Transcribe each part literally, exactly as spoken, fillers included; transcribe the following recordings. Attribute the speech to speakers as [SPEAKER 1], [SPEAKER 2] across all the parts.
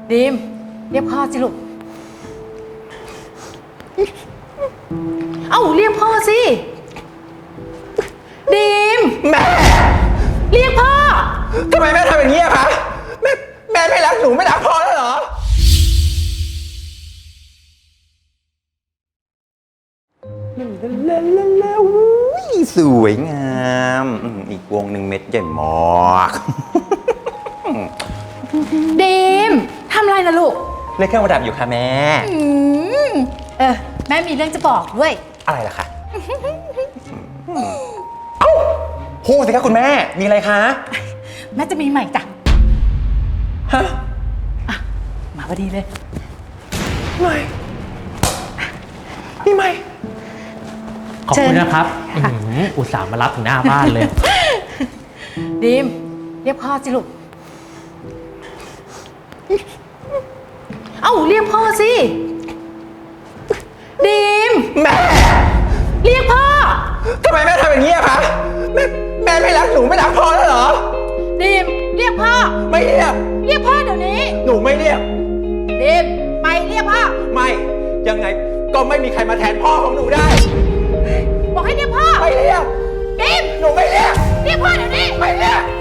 [SPEAKER 1] ดีมเรียกพ่อสิลูกเอ้าเรียกพ่อสิดีม
[SPEAKER 2] แม่
[SPEAKER 1] เรียกพ่อ
[SPEAKER 2] ทำไมแม่ทำอย่างนี้อะคะแม่แม่ไม่รักหนูไม่รักพ่อแล้วเหรอแล้วสวยงามอีกวงหนึ่งเม็ดใหญ่มาก
[SPEAKER 1] ดีมทำอะไรนะลูก
[SPEAKER 2] เล่นเครื่องประดับอยู่ค่ะแม่
[SPEAKER 1] อืมเออแม่มีเรื่องจะบอกด้วย
[SPEAKER 2] อะไรล่ะคะเอ้าพูดสิคะคุณแม่มีอะไรคะ
[SPEAKER 1] แม่จะมีใหม่จ้ะ
[SPEAKER 2] ฮะ
[SPEAKER 1] อ่ะมาพอดีเลย
[SPEAKER 2] ใหม่นี่ใหม่
[SPEAKER 3] ขอบคุณนะครับอุตส่าห์มารับถึงหน้าบ้านเลย
[SPEAKER 1] ดีมเรียกพ่อสิลูกเอ้าเรียกพ่อสิดีม
[SPEAKER 2] แม่
[SPEAKER 1] เรียกพ่อ
[SPEAKER 2] ทำไมแม่ทำอย่างนี้อะคะแม่แม่ไม่รักหนูไม่รักพ่อแล้วเหรอ
[SPEAKER 1] ดีมเรียกพ่อ
[SPEAKER 2] ไม่เรียก
[SPEAKER 1] เรียกพ่อเดี๋ยวนี้
[SPEAKER 2] หนูไม่เรียก
[SPEAKER 1] ดีมไปเรียกพ่อ
[SPEAKER 2] ไม่ยังไงก็ไม่มีใครมาแทนพ่อของหนูได้
[SPEAKER 1] บอกให้เรียกพ่อ
[SPEAKER 2] ไม่เรียก
[SPEAKER 1] ดีม
[SPEAKER 2] หนูไม่เรียก
[SPEAKER 1] เรียกพ่อเดี๋ยวนี้
[SPEAKER 2] ไม่เรียก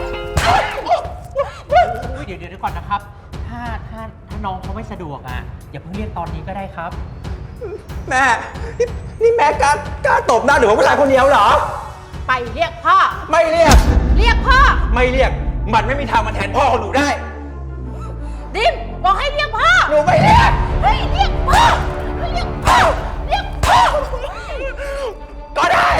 [SPEAKER 3] เดี๋ยวเดี๋ยวก่อนนะครับถ้าถ้าถ้าน้องเขาไม่สะดวกอ่ะอย่าเพิ่งเรียกตอนนี้ก็ได้ครับ
[SPEAKER 2] แม่นี่แม่กล้ากล้าตบหน้าหนูผู้ชายคนเดียวเหรอ
[SPEAKER 1] ไปเรียกพ่อ
[SPEAKER 2] ไม่เรียก
[SPEAKER 1] เรียกพ่อ
[SPEAKER 2] ไม่เรียกมันไม่มีทางมาแทนพ่อของหนูได้
[SPEAKER 1] ดิมบอกให้เรียกพ่อ
[SPEAKER 2] หนูไม่เรียก
[SPEAKER 1] เฮ้ยเรียกพ่อเรียกพ่อเรียกพ่อ
[SPEAKER 2] ก็ได้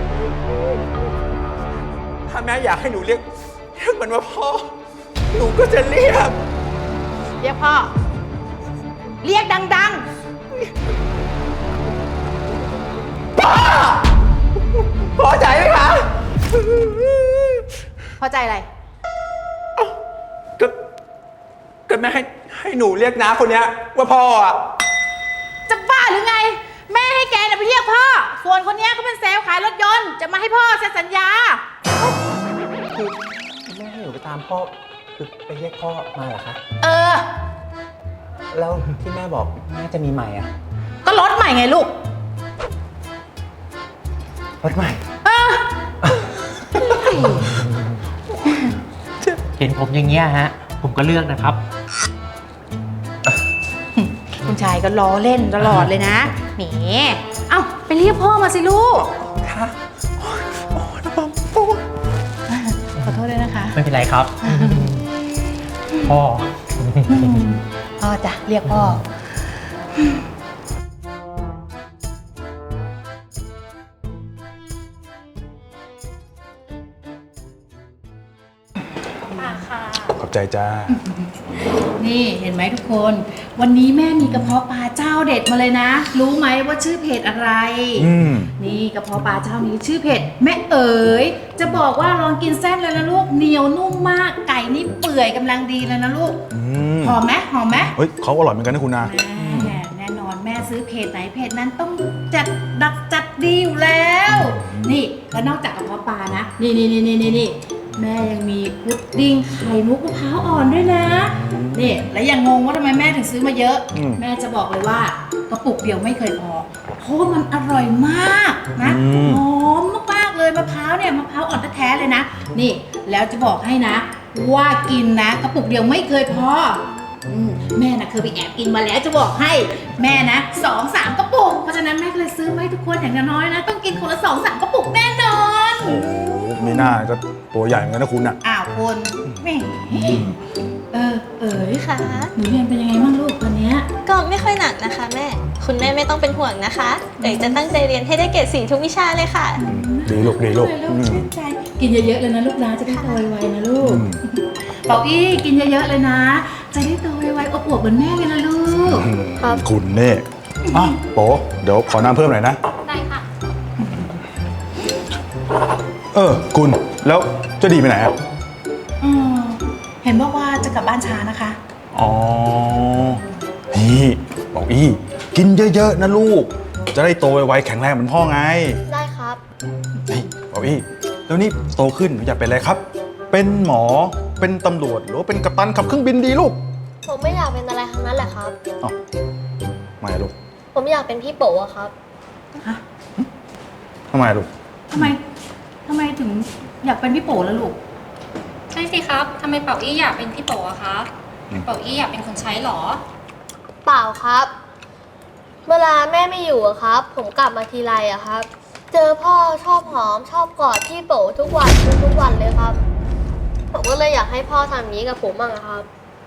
[SPEAKER 2] ถ้าแม่อยากให้หนูเรียกเรียกมันว่าพ่อหนูก็จะเรียก
[SPEAKER 1] เรียกพ่อเรียกดัง
[SPEAKER 2] ๆพ่อพอใจไหมคะ
[SPEAKER 1] พอใจอะไร
[SPEAKER 2] ก็ก็แม่ให้ให้หนูเรียกน้าคนเนี้ยว่าพ่ออะ
[SPEAKER 1] จะบ้าหรือไงแม่ให้แกน่ะไปเรียกพ่อส่วนคนเนี้ยเขาเป็นเซลล์ขายรถยนต์จะมาให้พ่อเซ็นสัญญา
[SPEAKER 2] คือแม่ให้หนูไปตามพ่อคือไปเรียกพ่อมาเหรอคะ
[SPEAKER 1] เออ
[SPEAKER 2] แล้วที่แม่บอกแม่จะมีใหม่อ่ะ
[SPEAKER 1] ก็รถใหม่ไงลูก
[SPEAKER 2] รถใหม่
[SPEAKER 1] เออ
[SPEAKER 3] เห็นผมอย่างเงี้ยฮะผมก็เลือกนะครับ
[SPEAKER 1] คุณชายก็ล้อเล่นตลอดเลยนะแหมเอ้าไปเรียกพ่อมาสิลูก
[SPEAKER 2] ค่ะโอ้นะผมโอ้
[SPEAKER 1] ขอโทษด้วยนะคะ
[SPEAKER 3] ไม่เป็นไรครับพ่อ
[SPEAKER 1] พ่อจ้ะเรียกพ่อ
[SPEAKER 4] ขอบใจจ้า
[SPEAKER 1] นี่เห็นไหมทุกคนวันนี้แม่มีกระเพาะปลาเจ้าเด็ดมาเลยนะรู้ไหมว่าชื่อเพจอะไรนี่กระเพาะปลาเจ้านี้ชื่อเพจแม่เอ๋ยจะบอกว่าลองกินเส้นเลยนะลูกเหนียวนุ่มมากไก่นี่เปื่อยกำลังดีเลยนะลูกหอมไหมหอมไหม
[SPEAKER 4] เฮ้ยเขาอร่อยเหมือนกันนะคุณนา
[SPEAKER 1] แน่นอนแม่ซื้อเพจไหนเพจนั้นต้องจัดดักจัดดีอยู่แล้วนี่แล้วนอกจากกระเพาะปลานะนี่นี่นี่นี่นี่แม่ยังมีพุดดิ้งไข่มุกมะพร้าวอ่อนด้วยนะนี่แล้วยังงงว่าทำไมแม่ถึงซื้อมาเยอะแม่จะบอกเลยว่ากระปุกเดียวไม่เคยพอเพราะมันอร่อยมากนะหอมมากๆเลยมะพร้าวเนี่ยมะพร้าวอ่อนแท้ๆเลยนะนี่แล้วจะบอกให้นะว่ากินนะกระปุกเดียวไม่เคยพอแม่นะเคยไปแอบกินมาแล้วจะบอกให้แม่นะสองสามกระปุกเพราะฉะนั้นแม่เลยซื้อไว้ทุกคนอย่างน้อยนะต้องกินคนละสองสามกระปุกแน่นอน
[SPEAKER 4] โอ้ไม่น่าก็ตัวใหญ่เหมือนกันนะคุณอ่ะ
[SPEAKER 1] อ้าวคุณแม่เออเอ๋ยค่ะหนูเรียนเป็นยังไงบ้างลูกตอนนี้
[SPEAKER 5] ก็ไม่ค่อยหนักนะคะแม่คุณแม่ไม่ต้องเป็นห่วงนะคะเอ๋ยจะตั้งใจเรียนให้ได้เกรดสี่ทุกวิชาเลยค่ะ
[SPEAKER 4] ดีลูกดีลูก
[SPEAKER 1] ชื่นใจกินเยอะๆเลยนะลูกนะจะได้โตไวๆนะลูกเป่าอี้กินเยอะๆเลยนะจะได้โตไวๆอบอวบเหมือนแม่เลยนะลูก
[SPEAKER 4] คุณเน่อ่ะโป๋เดี๋ยวขอน้ำเพิ่มหน่อยนะ
[SPEAKER 5] ได้ค่ะ
[SPEAKER 4] เออคุณแล้วเจ้าดีไปไหนอ่ะ
[SPEAKER 1] อืมเห็นบอกว่าจะกลับบ้านช้านะคะ
[SPEAKER 4] อ๋อนี่บอกอี้กินเยอะๆนะลูกจะได้โตไวๆแข็งแรงเหมือนพ่อไง
[SPEAKER 5] ได้ครับ
[SPEAKER 4] นี่บอกอี้แล้วนี่โตขึ้นหนูอยากเป็นอะไรครับเป็นหมอเป็นตำรวจหรือว่าเป็นกัปตันขับเครื่องบินดีลูก
[SPEAKER 5] ผมไม่อยากเป็นอะไร
[SPEAKER 6] ละครับ
[SPEAKER 4] เอ้าทำไมลูก
[SPEAKER 6] ผมอยากเป็นพี่โป๋อะครับ
[SPEAKER 1] ฮะ
[SPEAKER 4] ทำไมลูก
[SPEAKER 1] ทำไมทำไมถึงอยากเป็นพี่โป๋แล้วลูก
[SPEAKER 7] ใช่สิครับทำไมเป่าอี้อยากเป็นพี่โป๋อะคะ
[SPEAKER 4] อืม
[SPEAKER 7] เป่าอี้อยากเป็นคนใช้เหรอ
[SPEAKER 6] เปล่าครับ เวลาแม่ไม่อยู่อะครับ ผมกลับมาทีไรอะครับ เจอพ่อชอบหอมชอบกอดพี่โป๋ทุกวันทุกวันเลยครับ ผมก็เลยอยากให้พ่อทำอย่างนี้กับผมบ้างอะครับ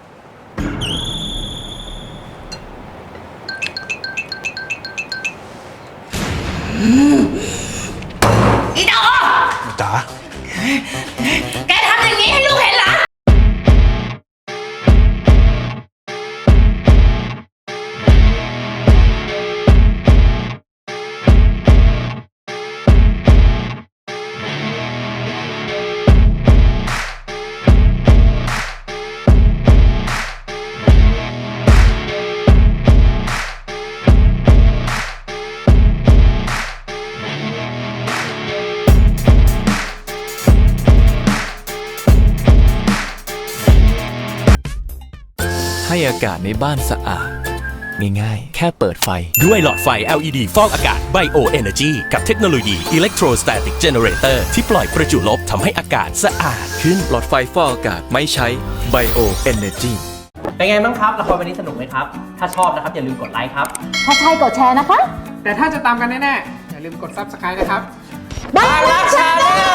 [SPEAKER 1] อีดอ
[SPEAKER 4] จ๋า
[SPEAKER 1] แกทำอย่างนี้ให้ลูกเห็นเหรอ
[SPEAKER 8] ให้อากาศในบ้านสะอาดง่ายๆ แค่เปิดไฟด้วยหลอดไฟ แอล อี ดี ฟอกอากาศ Bio Energy กับเทคโนโลยี Electrostatic Generator ที่ปล่อยประจุลบทำให้อากาศสะอาดขึ้นหลอดไฟฟอกอากาศไม่ใช้ Bio Energy
[SPEAKER 3] เป็นไงบ้างครับละครวันนี้สนุกไหมครับ ถ้าชอบนะครับอย่าลืมกดไลค์ครับ
[SPEAKER 1] ถ้าใช่กดแชร์นะคะ
[SPEAKER 9] แต่ถ้าจะตามกันแน่ๆ อย่าลืมกด ซับสไครบ์ นะครับ
[SPEAKER 1] บ้านรักชาแนล